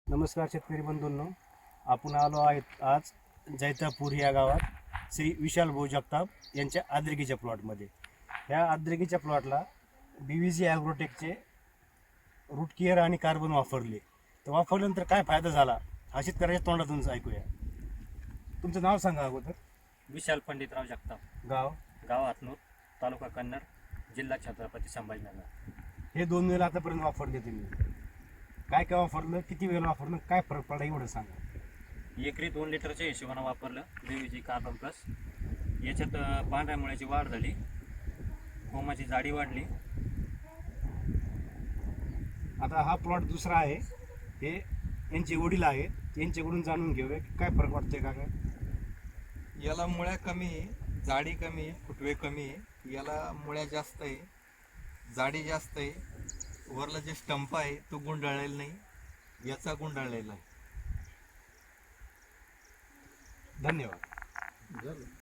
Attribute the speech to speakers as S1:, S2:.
S1: नमस्कार शेतकरी बंधूंनो, आपण आलो आहेत आज जैतापूर या गावात श्री विशाल भाऊ जगताप यांच्या आद्रकीच्या प्लॉटमध्ये. ह्या आद्रकीच्या प्लॉटला BVG ॲग्रोटेकचे रूट केअर आणि कार्बन वापरले. तर वापरल्यानंतर काय फायदा झाला हा शेतकऱ्याच्या तोंडातूनच ऐकूया. तुमचं नाव सांगा अगोदर.
S2: विशाल पंडितराव जगताप,
S1: गाव
S2: गाव हातनूर, तालुका कन्नड, जिल्हा छत्रपती संभाजीनगर.
S1: हे 2 वेळेला आतापर्यंत वापरले तुम्ही. काय काय वापरलं, किती वेळेला वापरलं, काय फरक पडला एवढं सांगा.
S2: एकरी 2 लिटरच्या हिशोबानं वापरलं BVG कार्बन प्लस. याच्यात पांढऱ्या मुळ्याची वाढ झाली, कोमाची जाडी वाढली.
S1: आता हा प्लॉट दुसरा आहे, हे यांचे वडील आहेत, यांच्याकडून जाणून घेऊया की काय फरक वाटतोय का. काय
S3: याला मुळ्या कमी आहे, जाडी कमी आहे, फुटवे कमी आहे. याला मुळ्या जास्त आहे, जाडी जास्त आहे. वरला जे स्टंप आहे तो गुंडाळलेला नाही, याचा गुंडाळलेला आहे.
S1: धन्यवाद.